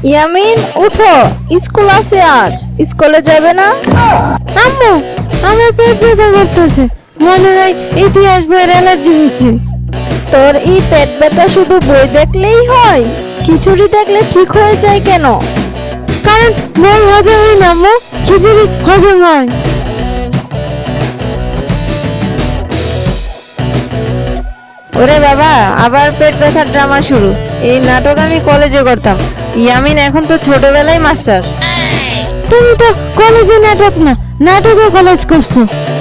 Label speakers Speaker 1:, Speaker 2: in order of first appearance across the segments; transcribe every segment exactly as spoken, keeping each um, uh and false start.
Speaker 1: ইয়ামিন উঠো, স্কুল আছে আজ, স্কুলে যাবে না?
Speaker 2: আম্মু, আমার পেট ব্যথা করতেছে, মনে হয় ইতিহাস বইয়ের অ্যালার্জি হয়েছে।
Speaker 1: তোর এই পেট ব্যথা শুধু বই দেখলেই হয়? খিচুড়ি দেখলে ঠিক হয়ে যায় কেন?
Speaker 2: কারণ বই হজম হয় না আম্মু, খিচুড়ি হজম হয়। ওরে বাবা, আবার পেট ব্যথার ড্রামা শুরু। এই নাটক আমি কলেজে করতাম, ইয়ামিন এখন তো ছোটবেলায় মাস্টার। তুমি তো কলেজে নাটক না, নাটকে কলেজ করছো।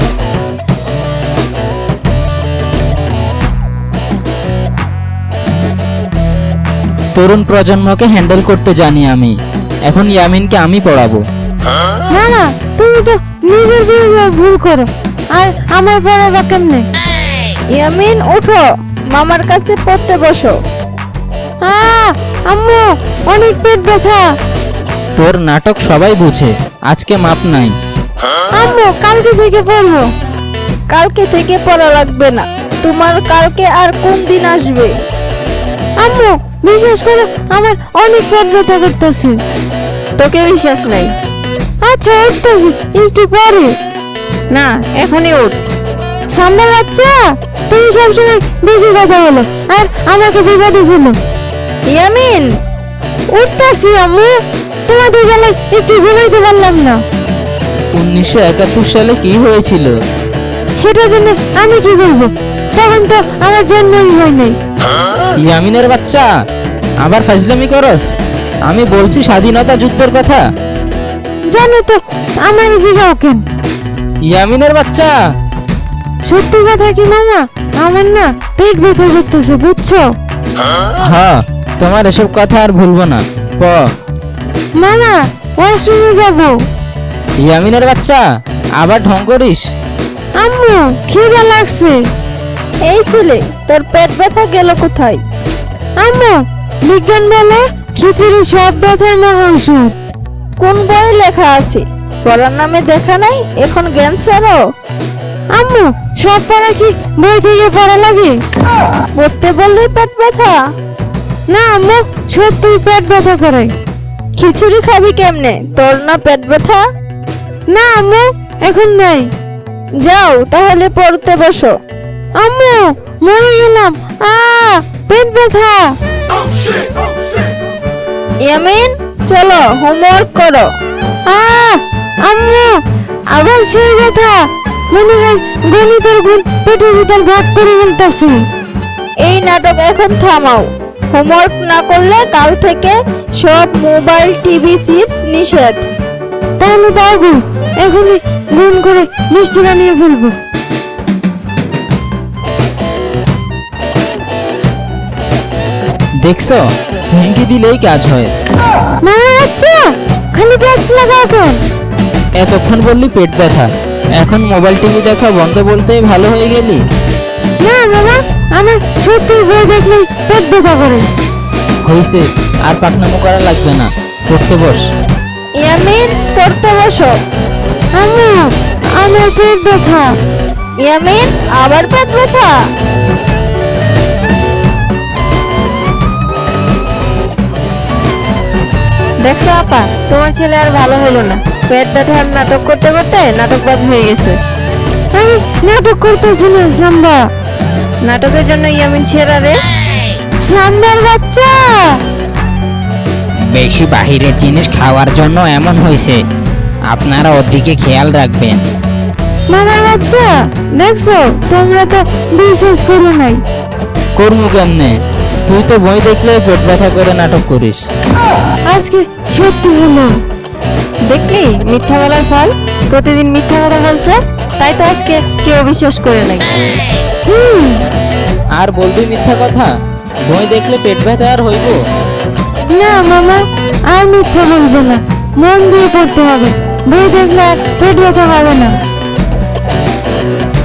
Speaker 3: তরুণ প্রজন্মকে হ্যান্ডেল করতে জানি আমি। এখন ইয়ামিনকে আমি পড়াবো।
Speaker 2: না না, তুমি তো নিজের বিরুদ্ধে ভুল করো, আর আমার পড়াবা কেমনে?
Speaker 1: ইয়ামিন উঠো, মামার কাছে পড়তে বসো।
Speaker 2: আহ, আম্মু, অনেক পেট ব্যথা।
Speaker 3: তোর নাটক সবাই বুঝে, আজকে মাপ নাই।
Speaker 2: আম্মু, কালকে থেকে পড়বো।
Speaker 1: কালকে থেকে পড়া লাগবে না, তোমার কালকে আর কোন দিন আসবে?
Speaker 2: আম্মু, বিশ্বাস করো, আমার অনেক পেট ব্যথা করতেছে। তোকে বিশ্বাস নাই? আচ্ছা, উঠতেছি একটু পরে। না, এখনই উঠ। সামনে বাচ্চা, তুমি সবসময় বেশি কথা বলো আর আমাকে বিপদে ফেলো।
Speaker 1: ইয়ামিন
Speaker 2: উঠতেছি আম্মু, তোমাদের জ্বালায় একটু ঘুমাইতে পারলাম না।
Speaker 3: উনিশশো একাত্তর সালে কি হয়েছিল?
Speaker 2: সেটার জন্য আমি কি করবো? তখন তো আমার জন্মই হয় নাই।
Speaker 3: ইয়ামিনের বাচ্চা, আবার ফাজলামি করস? আমি বলছি স্বাধীনতা যুদ্ধের কথা।
Speaker 2: জানো তো আমার জিগাও কেন?
Speaker 3: ইয়ামিনের বাচ্চা,
Speaker 2: সত্যি কথা কি মামা, আমার না পেট ব্যথা করতেছে, বুঝছো?
Speaker 3: হ্যাঁ, তোমার এসব কথা আর ভুলবো না। প
Speaker 2: মামা, ওয়াশরুমে যাবো।
Speaker 3: ইয়ামিনের বাচ্চা, আবার ঢং করিস?
Speaker 2: আম্মু, খিদা লাগছে।
Speaker 1: এই ছেলে, তোর পেট ব্যথা গেল কোথায়?
Speaker 2: আম্মু, বিজ্ঞান বলে খিচুড়ি সব ব্যথার মহা ঔষধ।
Speaker 1: কোন বইয়ে লেখা আছে? পড়ার নামে দেখা নাই, এখন জ্ঞান ছাড়ো।
Speaker 2: আম্মু, সব পড়া কি বই থেকে পড়া লাগে?
Speaker 1: পড়তে বললেই পেট ব্যথা?
Speaker 2: না আম্মু, সত্যি পেট ব্যথা করে।
Speaker 1: খিচুড়ি খাবি কেমনে? তোর না পেট ব্যথা?
Speaker 2: না আম্মু, এখন নাই।
Speaker 1: যাও তাহলে পড়তে বসো।
Speaker 2: আম্মু, মরে গেলাম। আ পেট ব্যথা।
Speaker 1: ইয়ামিন চলো, হোমওয়ার্ক করো।
Speaker 2: আ আম্মু, আবার সেই ব্যথা। মনে হয় গণিতের গুণ পেটের ভিতর ভাগ করে ফেলতেছে।
Speaker 1: এই নাটক এখন থামাও। হোমওয়ার্ক না করলে কাল থেকে সব মোবাইল, টিভি, চিপস নিষেধ।
Speaker 2: তাহলে বাবু, এখনই গুণ করে মিষ্টি বানিয়ে ফেলবো।
Speaker 3: দেখছো, হুমকি দিলেই কাজ হয়।
Speaker 2: মামা বাচ্চা, খালি প্যাচ লাগাও কেন?
Speaker 3: এতক্ষণ বললি পেট ব্যথা, এখন মোবাইল টিভি দেখা বন্ধ বলতেই ভালো হয়ে গেলি।
Speaker 2: না মামা, আমার সত্যি বই দেখলেই পেট ব্যথা করে।
Speaker 3: হয়েছে, আর পাকনামো করা লাগবে না, পড়তে বস।
Speaker 1: ইয়ামিন পড়তে বসো।
Speaker 2: আম্মু, আমার পেট ব্যথা।
Speaker 1: ইয়ামিন আবার পেট ব্যথা?
Speaker 2: দেখছো আপা, তোমার ছেলে আর ভালো হলো না। পেট ব্যথার নাটক করতে করতে নাটকবাজ হয়ে গেছে। আমি নাটক করতেছি না সাম্বা। নাটকের জন্য ইয়ামিন সেরা রে। সাম্বার বাচ্চা,
Speaker 3: বেশি বাহিরের জিনিস খাওয়ার জন্য এমন হয়েছে, আপনারা ওদিকে খেয়াল রাখবেন।
Speaker 2: মামার বাচ্চা, দেখছো তোমরা তো বিশ্বাস করো নাই।
Speaker 3: করবো কেমনে? তুই তো বই দেখলে পেট ব্যথা করে নাটক করিস।
Speaker 2: আজকে সত্যি হলো। দেখলি মিথ্যা বলার ফল? প্রতিদিন মিথ্যা কথা বলছিস, তাই তো আজকে কেউ বিশ্বাস করে নাই। হুম,
Speaker 3: আর বলবি মিথ্যা কথা? বই দেখলে পেট ব্যথা আর হইব?
Speaker 2: না মামা, আর মিথ্যা বলবো না। মন দিয়ে পড়তে হবে, বই দেখলে আর পেট ব্যথা হবে না।